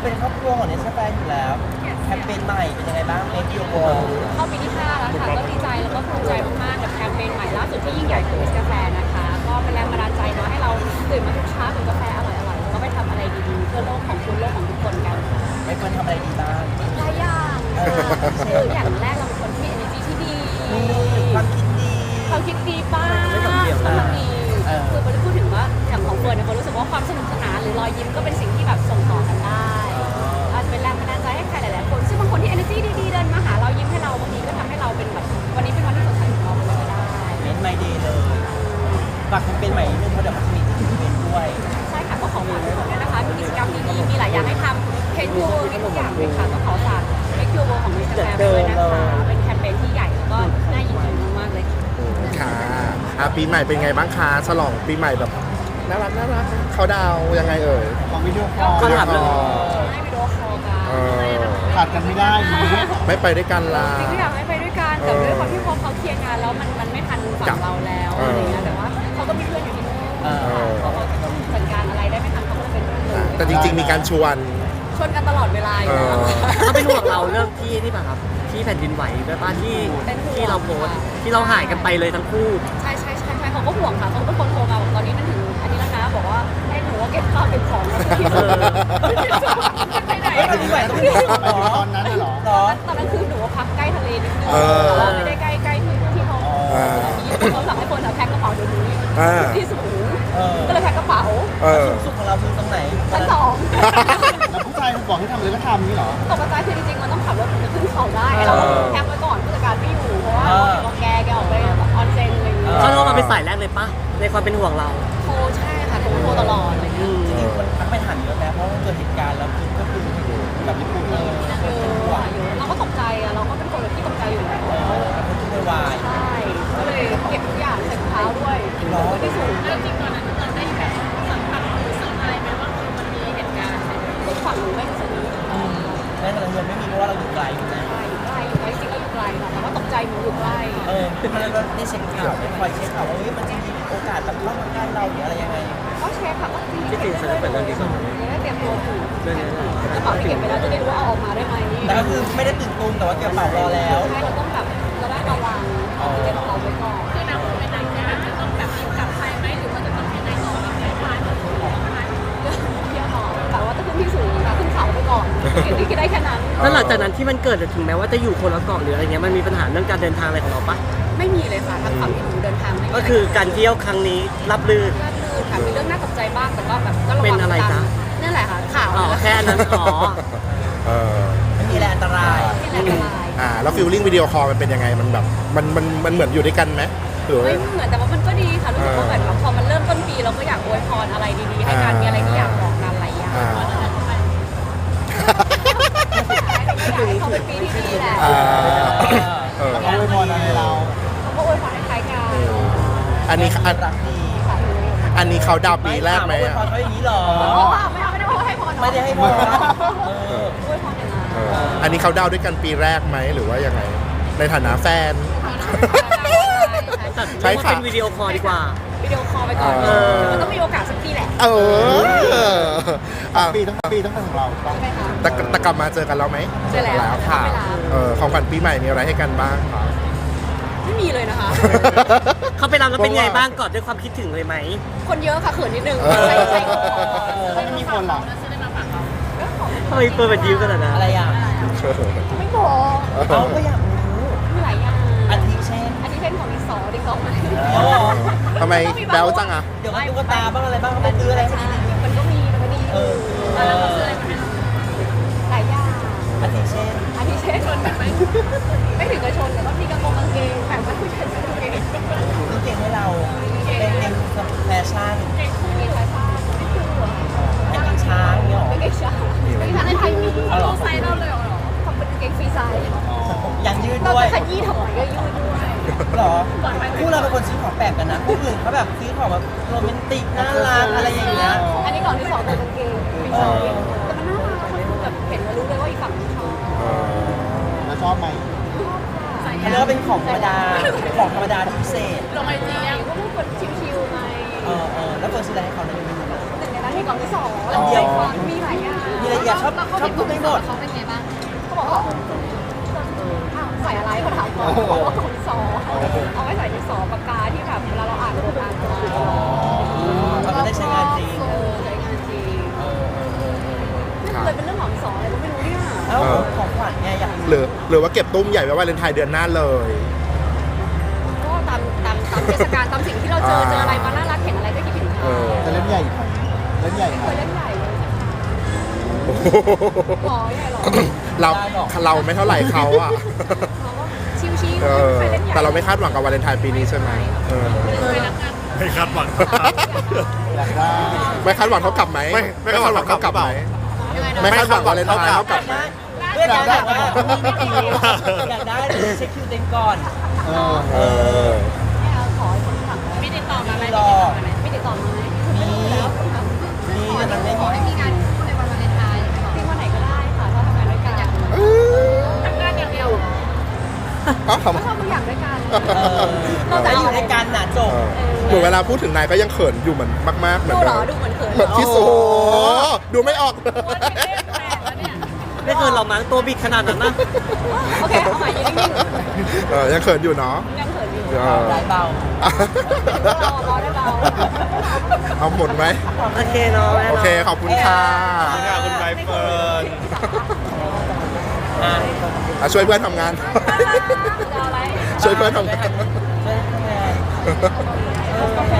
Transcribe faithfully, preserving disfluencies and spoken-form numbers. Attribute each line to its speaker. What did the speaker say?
Speaker 1: เป็นครอบครัวของเนสแฟนอยู่แล้วแคมเปญใหม่เป็นยังไงบ้างเมกิโอโบ
Speaker 2: เข้าปีที่ห้าแล้วค่ะก็ดีใจแล้วก็ภูมิใจมากๆกับแคมเปญใหม่ล่าสุดที่ยิ่งใหญ่ของเนสกาแฟนะคะก็เป็นแรงบันดาลใจเนาะให้เราตื่นมาทุกเช้าดื่มกาแฟอร่อยๆแล้วก็ไปทำอะไรดีๆเพื่อโลกของคุณโลกของทุกคนกัน
Speaker 1: ไม่ควรทำอะไรดีบ้าง
Speaker 2: หลายอย่างคืออย่างแรกเราเป็นคนที่ energy ที่ดี
Speaker 1: มีความคิดดี
Speaker 2: ความคิดดีป้าความดีคือมันพูดถึงว่าอย่างของเฟิร์นเนี่ยเขารู้สึกว่าความสนุกสนานหรือรอยยิ้มก็เป็นสิ่งที่แบบส่งต่อกันได้อาจจะเป็นแรงบันดาลใจให้ใครหลายๆคนซึ่งบางคนที่ energy ดีๆเดินมาหาเรายิ้มให้เราบางทีก็ทำให้เราเป็นแบบวันนี้เป็นวันที่สดใสของเราเลยก็ได้
Speaker 1: เมนไมเดย์เลยฝากแคมเปญใหม่นิดนึงเพราะเดี๋ยวมันจะมีที่อีเวนต์ด้วย
Speaker 2: ใช่ค่ะก็ขอฝากทุกคนด้วยนะคะมีกิจกรรมดีๆมีหลายอย่างให้ทำเพนยูมีทุกอย่างเลยค่ะก็ขอฝากเพนยูโบของมิสเตอร์แกรมด้วยนะคะเป็นแคมเปญที่ใหญ่แล้วก็น่ายินดีมากๆเลย
Speaker 3: ค่ะอ่ะปีใหม่เป็นไงบ้างคะฉลองปีใหม่แบบน่ารักน่ารักเขาดาวยังไงเอ่ย
Speaker 1: ของวิดีโอคอล
Speaker 3: เขาถามเลย
Speaker 2: ให้วิดีโอคอลกัน
Speaker 1: ขาดกันไม่ได้
Speaker 3: ไม่ไปด้วยกันล่ะ
Speaker 2: จริงก็อยากให้ไปด้วยกันแต่ด้วยความที่พอเขาเคลียร์งานแล้วมันมันไม่ทันฝั่งเราแล้วอะไรเงี้ยแต่ว่าเขาก็มีเพื่อนอยู่ที่นู่นเขาเขาจัดการอะไรได้ไม่ทันเขาก็เลยเป็นเรื่องเลย
Speaker 3: แต่จริงๆมีการชวน
Speaker 2: ชวนกันตลอดเวลาอยู่แล้ว
Speaker 4: เขาเป็นห่วงเราเรื่องที่ที่ป่ะครับที่แผ่นดินไหวด้วยป่ะที่ที่เราโพสที่เราหายกันไปเลยทั้งคู่
Speaker 2: ใช่ใช่ใช่ใช่เขาก็ห่วงค่ะเขาเป็นคนโทรมาบอกตอนนี้มันถึงอันนี้แล้วนะบอกว่าให้หนูว่าเก็บข้าวเก็บของแล้วที่เออไปไหน
Speaker 1: แผ่นดินไหวต้องตอนนั้นเหรอ
Speaker 2: ตอนนั้นคือหนูว่าพักใกล้ทะเลนิดนึงแต่ว่าไม่ได้ใกล้ใกล้ที่ที่เขาเขาสั่งให้คนแพ็คกระเป๋าเดี๋ยวนี้ที่สูงก็เลยแพ็คกระเป๋า
Speaker 1: สูงสุดของเราคือตรงไหน
Speaker 2: ชั้นสอง
Speaker 1: แล้วผู้ชายบอกให้ทำอะไรก็ทำนี่หรอ
Speaker 2: ตกใจคือจริงๆมันต้องขับรถถึงจะขึ้นเขาได้เราแพ็คไว้ก่อนผู้จัดการไม่อยู่เพราะว่าเราแกแกออกไปออนเซ็นอะไรอย่างเงี้ย
Speaker 4: เขาโทรมาเป็นสายแรกเลยปะในความเป็นห่วงเรา
Speaker 2: โทรใช่ค่ะโทรโทรตลอดอะไรเงี้ย
Speaker 1: จริงๆคนทักไปถามเยอะนะเพราะว่าเกิดเหตุการณ์แล้วคือก็คือแบบญี่ปุ่นเลย
Speaker 2: เราก็ตกใจอะเราก็เป็นคนที่ตกใจอยู่แล้ว
Speaker 1: วาย
Speaker 2: ใช่ก็เลยเก็บทุกอย่างใส่ถุงเท้าด้วยร้อนที่สุดจริงตอนนั้นเราได้แบบสัมผัสรู้สึกอะไรไหมว่าคือมันมีเหตุการณ์ทุกฝั่งหนูไม่รู้สึก
Speaker 1: แม้แต่เราไม่มีเพราะว่าเราอยู่ไกลอยู่นะ
Speaker 2: อยู่ใกล้อยู่ใกล้จริงๆก็อยู่ไกลค่ะแต่ว่าตกใจหนูอยู่ใกล้
Speaker 1: เออแล้วก็ได้เช็คข่าวได้คอยเช็คข่าวว่ามันจะมีโอกาสแบบเข้ามาใกล้เราหรืออะไรยังไง
Speaker 2: ก็เช็คค่ะก็
Speaker 4: ที่จริงฉันจะเปิดเรื่องนี้ก่อน
Speaker 2: จะได้เตรียมตัวถูกกระเป๋าที่เก็บไปแล้วจะได้รู้ว่าเอาออกมาได้ไหม
Speaker 1: แต่ก็คือไม่ได้ตื่นตูมแต่ว่าเก็บกระเป๋ารอแล้ว
Speaker 2: ใช่เราต้องแบบเราได้ระวังเก็บกระเป๋าไว้ก่อนคือนะคุณเป็นนายแค่จะต้องแบบกลับไทยไหมหรือว่าจะต้องเป็นนายต่อแบบไหนบ้างเที่ยวต่อแต่ว่าจะขึ้นที่สูงนะขึ้นเขาไปก่อนที่คิดได้แค่นั้น
Speaker 4: แล้วหลังจากนั้นที่มันเกิดถึงแม้ว่าจะอยู่คนละเกาะหรืออะไรเงี้ยมันมีปัญหาเรื่องการเดินทางอะไรของเราปะ
Speaker 2: ไม่มีเลยค่ะทางฝั่งที่หนูเดินทางไม่
Speaker 4: ก็คือการเที่ยวครั้งนี้รับลื่น
Speaker 2: รับลื่นค่ะมีเรื่องน่าตกใจบ้างแต่ก็แบบก็ระวัง
Speaker 4: เป็นอะไรจ๊ะ
Speaker 2: นั่นแหละค่ะข่าว
Speaker 4: อ๋อแค่นั้นอ๋อ
Speaker 3: เออ
Speaker 1: ไม่มีอะไรอันตราย
Speaker 2: ไม่มีอะไรอันตราย
Speaker 3: อ่าแล้วฟิลลิ่งวิดีโอคอลมันเป็นยังไงมันแบบมันมันมันเหมือนอยู่ด้วยกันไหม
Speaker 2: ไม่เหมือนแต่ว่ามันก็ดีค่ะรู้สึกว่าแบบพอมันเริ่มต้นปีเราก็อยากอวยพรอะไรดีๆให้กันมีอะไรที่อยากบอกกันหลายอย่างเขาเป็นปีที่ดีแหละ
Speaker 1: เขาอวยพรอะไรเรา
Speaker 2: เขาก็อวยพรให้ใครกัน
Speaker 3: อันนี้อันอันนี้เขาดาวปีแรกไหม
Speaker 1: อวยพรเขาอย่างนี้หรอ
Speaker 2: ไม่เอาไม่ได้ให้พร
Speaker 1: ไม่ได้ให้พร
Speaker 2: อวยพรอย่างนั้น
Speaker 3: อันนี้เขาดาวด้วยกันปีแรกไหมหรือว่ายังไงในฐานะแฟน
Speaker 4: ใช่ค่ะเป็นวิดีโอคอลดีกว่า
Speaker 2: วิดีโอคอลไปก่อนมันต้องมีโอกาสสักทีแหละ
Speaker 3: เออ
Speaker 1: ปีทั้งปีทั้งของเรา
Speaker 3: แต่แต่กลับมาเจอกันแล้วไหม
Speaker 2: เจอแล้ว
Speaker 3: ค่ะเออของขวัญปีใหม่มีอะไรให้กันบ้างคะ
Speaker 2: ไม่มีเลยนะคะ
Speaker 4: เขาไปรับแล้วเป็นไงบ้างกอดด้วยความคิดถึงเลยไหม
Speaker 2: คนเยอะค่ะเขินนิดนึงใช่ใช่ก็พอ
Speaker 1: ไม่มีคนหรอก
Speaker 4: ทำไมเปิดแบบยิ้มกันนะ
Speaker 1: อะไรอ่ะ
Speaker 2: ไม่บอก
Speaker 1: เขาก็อยากรู้
Speaker 2: มีหลายอย่าง
Speaker 1: อาทิเช่น
Speaker 2: อาทิเช่นของดิสอดิสอไหม
Speaker 3: ทำไมแบ๊วจังอ่ะ
Speaker 1: เดี๋ยวตุ๊กตาบ้างอะไรบ้างไปซื้ออะไร
Speaker 2: มันก็มีมันก็ดีเออแล้วเราซื้ออะไรหลายอย่าง
Speaker 1: อาทิเช่น
Speaker 2: อาทิเช่นชนแบบไม่ไม่ถึงกับชนแต่ก็มีกระโปรงกางเกงแต่ว่าผู้ชายใส่กางเกง
Speaker 1: ซื้อเกงให้เราเกงเกงแฟชั่น
Speaker 2: เกงแฟชั่นไม่ถูก
Speaker 1: เกงช้างเนี่ยหรอ
Speaker 2: เกงช้างเกงช้างในไทยมีเราไซส์เราเลยหรอทำเป็นเกงฟรีไซส์
Speaker 1: ยังยืดด้วย
Speaker 2: เราจะขยี้ทำไมก็ยืดด้วย
Speaker 1: หรอคู่เราเป็นคนซื้อของแปลกกันนะคู่อื่นเขาแบบซื้อของแบบโรแมนติกน่ารักอะไรอย่างเงี้ย
Speaker 2: อันนี้ก่อนที่สองเป็นกางเกงฟรีไซส์แต่มันน่ารักมันแบบเห็นแล้วรู้เลยว่าอีกฝั่งชอบ
Speaker 1: แล้วชอบไหมเขาเรียกว่าเป็นของธรรมดาของธรรมดาที่พิเศษ
Speaker 2: ลงไอจีอ่ะก็เป็นคนชิวๆไง
Speaker 1: เออเออแล้วเฟิร์นซื้ออะไรให้เขาในนี้
Speaker 2: หนึ่งในนั้นมีกล่องที่สองแล้วมีมีหลายอย่าง
Speaker 1: มีอะไรอย่าชอบชอบพูดไม่หมด
Speaker 2: เขาเป็นไงบ้างเขาบอกว่าอ้าวใส่อะไรเขาถามก่อนเขาบอกว่าดินสอเอาไว้ใส่ดินสอปากกาที่แบบเวลาเราอ่านบทอ่านอะไร
Speaker 1: เราก็ได้ใช้งานจริง
Speaker 2: เออใช้งานจริง
Speaker 1: เออเออเออเออ
Speaker 2: ไม่เคยเป็นเรื่องของดินสออะไรก็ไม่รู้เนี่ย
Speaker 1: แล้วของขวัญไงอยาก
Speaker 3: หรือหรือว่าเก็บตุ้มใหญ่ไว้วาเลนไทน์เดือนหน้าเลย
Speaker 2: ก็ตามตามตามเทศกาลตามสิ่งที่เราเจอเจออะไรมาน่ารักเห็นอะไรก็คิดถึง
Speaker 3: เอ
Speaker 2: เขา
Speaker 3: อ
Speaker 5: จะเล่นใหญ่ไหมเล่นใหญ่ไหม
Speaker 2: เคยเล่นใหญ่เลยสักครั้ง
Speaker 3: โอ้โห
Speaker 2: หรอใหญ่หรอ
Speaker 3: เราเราไม่เท่าไหร่เขาอ่ะ
Speaker 2: เขาก็ชิวๆ
Speaker 3: เออ
Speaker 2: ไม่เคยเล่นใหญ่
Speaker 3: แต่เราไม่คาดหวังกับวาเลนไทน์ปีนี้ใช่ไหมเออ
Speaker 2: เคยรักกัน
Speaker 6: ไม่คาดหวัง
Speaker 5: อยากได้
Speaker 3: ไม่คาดหวังเขากลับไหม
Speaker 6: ไม่ไม่คาดหวังเขากลับ
Speaker 3: ไหม
Speaker 2: ยังไงนะ
Speaker 3: ไม่คาดหวังวาเลนไทน์เขากลับไหม
Speaker 1: เพื่อนอยากได้อยากได้เช็คคิวเต็มก่อน
Speaker 5: เออ
Speaker 3: เออ
Speaker 2: ไม่เอาขอให้คนถังไม่ติดต่อมาไหม
Speaker 1: รอ
Speaker 2: ไม่ติดต่อมาไหม
Speaker 1: มี
Speaker 2: แล้ว
Speaker 1: มีแต่มันไม่มี
Speaker 2: ให้มีงานคู่ในวันวาเลนไทน์ที่วันไหนก็ได้ค่ะถ้าทำงานด้วยกันทำงานอย่างเดียว
Speaker 3: เอ้าทำไม
Speaker 2: ก็ทำทุกอย่างด้วยกัน
Speaker 1: เออเราจะอยู่ในการหนาจบ
Speaker 3: เออเหมือนเวลาพูดถึงนายก็ยังเขินอยู่เหมือนมากๆเหมือน
Speaker 2: ดูเหร
Speaker 3: เดิ
Speaker 2: อ
Speaker 3: ม
Speaker 2: ดูเหมือนเขิน
Speaker 3: เหมือนที่สุดดูไม่ออกเลย
Speaker 4: ไม่เกินเรามั้งตัวบิดขนาดนั้นนะ
Speaker 2: โอเคเอาใหม่ยืนนิ่ง
Speaker 3: เออยังเขินอยู่เนาะ
Speaker 2: ๆยังเขินอยู่
Speaker 3: เออ
Speaker 1: ได้เบา
Speaker 2: รอรอได้เบา
Speaker 3: เอาหมดไหม
Speaker 4: โอเคเนาะแม่
Speaker 3: โอ
Speaker 4: เนาะ
Speaker 3: เคขอบคุณค่ะ
Speaker 6: ขอบคุณใบเฟิร์น
Speaker 1: อ่ะ
Speaker 3: อ่ะช่วยเพื่อนทำงาน
Speaker 2: จะอะไร
Speaker 3: ช่วยเพื่อนทำงาน
Speaker 1: ช่วยทำงาน
Speaker 2: โอเค